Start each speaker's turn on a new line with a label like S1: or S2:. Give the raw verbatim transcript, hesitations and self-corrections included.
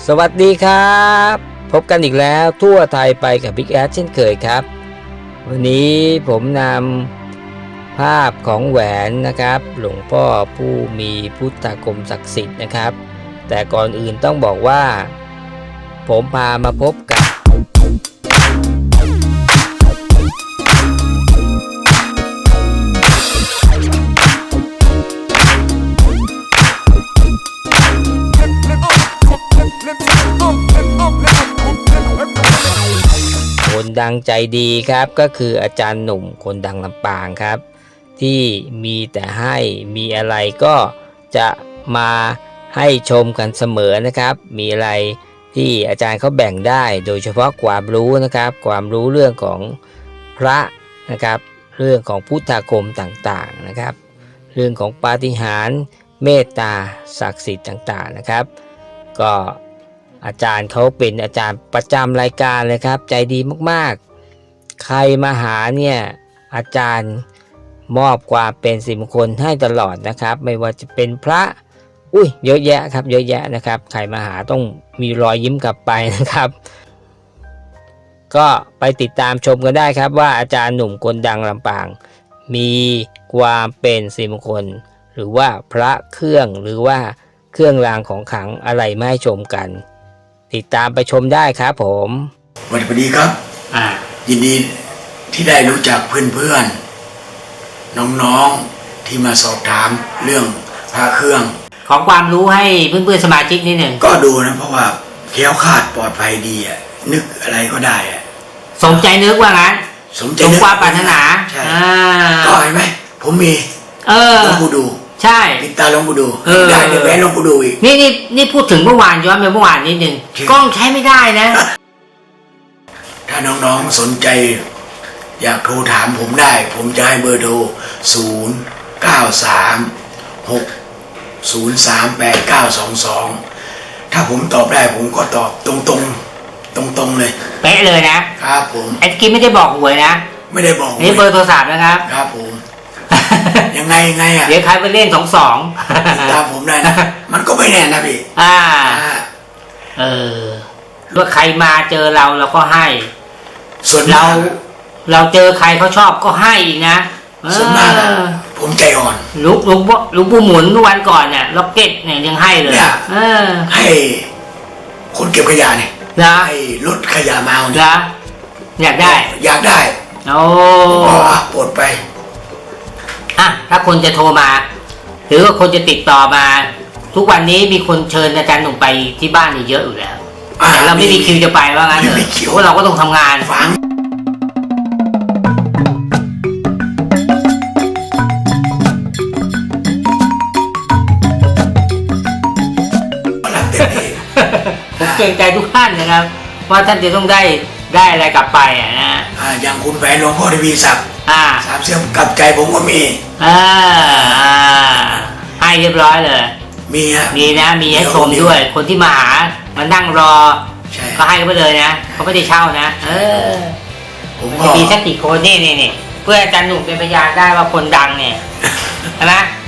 S1: สวัสดีครับพบกันอีกแล้วทั่วไทยไปกับบิ๊กแอดเช่นเคยครับวันนี้ผมนำภาพของแหวนนะครับหลวงพ่อผู้มีพุทธาคมศักดิ์สิทธิ์นะครับแต่ก่อนอื่นต้องบอกว่าผมพามาพบกับคนดังใจดีครับก็คืออาจารย์หนุ่มคนดังลำปางครับที่มีแต่ให้มีอะไรก็จะมาให้ชมกันเสมอนะครับมีอะไรที่อาจารย์เขาแบ่งได้โดยเฉพาะความรู้นะครับความรู้เรื่องของพระนะครับเรื่องของพุทธาคมต่างๆนะครับเรื่องของปาฏิหาริย์เมตตาศักดิ์สิทธิ์ต่างๆนะครับก็อาจารย์เขาเป็นอาจารย์ประจำรายการเลยครับใจดีมากๆใครมาหาเนี่ยอาจารย์มอบความเป็นสิริมงคลให้ตลอดนะครับไม่ว่าจะเป็นพระอุ้ยเยอะแยะครับเยอะแยะนะครับใครมาหาต้องมีรอยยิ้มกลับไปนะครับก็ไปติดตามชมกันได้ครับว่าอาจารย์หนุ่มคนดังลำปางมีความเป็นสิริมงคลหรือว่าพระเครื่องหรือว่าเครื่องรางของขลังอะไรมาให้ชมกันติดตามไปชมได้ครับผม
S2: สวัสดีครับอ่ายินดีที่ได้รู้จักเพื่อนๆน้องๆที่มาสอบถามเรื่องพระเครื่อง
S3: ของความรู้ให้เพื่อนๆสมาชิกนิดหนึ่ง
S2: ก็ดูนะเพราะว่าแคล้วคลาดปลอดภัยดีอ่ะนึกอะไรก็ได้อ่ะ
S3: สมใจนึกว่างั้น
S2: สมใจ
S3: นึกความปรารถนา
S2: ใช่ก็เห็นไหมผมมี
S3: เออ
S2: ลองดู
S3: ใช่
S2: ปิดตาลองดูได้เดี๋ยวแหวนลองดูอีก
S3: นี่นี่นี่พูดถึงเมื่อวานย้อนไปเมื่อวานนิดหนึ่งกล้องใช้ไม่ได้นะ
S2: ถ้าน้องๆสนใจอยากโทรถามผมได้ผมจะให้เบอร์โทรศูนย์ เก้า สาม หก ศูนย์ สาม แปด เก้า สอง สองถ้าผมตอบได้ผมก็ตอบตรงๆตรงๆเลย
S3: เป๊ะเลยนะครับ
S2: ผม
S3: ไอ้กี้ไม่ได้บอกหวยนะ
S2: ไม่ได้บอก
S3: นี่เบอร์โทรศัพท์นะครับ
S2: ครับผมยังไงยังไงอ่ะ
S3: เดี๋ยวใครไปเล่นสองสอง
S2: ตามผมได้นะมันก็ไม่แน่นะพี่
S3: อ่าเออว่าใครมาเจอเราเราก็ให้
S2: ส่วน
S3: เราเราเจอใครเขาชอบก็ให้อีกนะ
S2: ส่วนมากผมใจอ่อน
S3: ลุกลุกลุกปูหมุนทุกวันก่อนเนี่ยล็อกเก็ตเนี่ยยังให้เลยเออ
S2: ให้คนเก็บขยะเนี่ย
S3: นะ
S2: ให้รถขยะมา
S3: เนี่ยนะอยากได้
S2: อยากได้
S3: โอ้
S2: ปลดไป
S3: อ่ะถ้าคนจะโทรมาหรือว่าคนจะติดต่อมาทุกวันนี้มีคนเชิญอาจารย์หนุ่มไปที่บ้านนี่เยอะอยู่แล้วแต่เราไม่มีคิวจะไปว่างั้นเถอะเพราะเราก็ต้องทำงาน
S2: ฟัง
S3: ผมเกรงใจทุกท่านนะครับว่าท่านจะต้องได้ได้อะไรกลับไปอ่ะนะ
S2: อ่าอย่างคุณแฟนหลวงพ่อทวีศักดิ์
S3: อ่า
S2: สามเสียงกลับใจผมก็มี
S3: อ่าให้เรียบร้อยเลย
S2: มีฮะ
S3: มีนะมีให้ชมด้วยคนที่มาหามานั่งรอก็ให้กันไปเลยนะเขาไม่ได้เช่านะเออผมมีสักกี่คนนี่นี่นี่เพื่ออาจารย์หนุ่มเป็นพยานได้ว่าคนดังเนี่ยใช่ไหม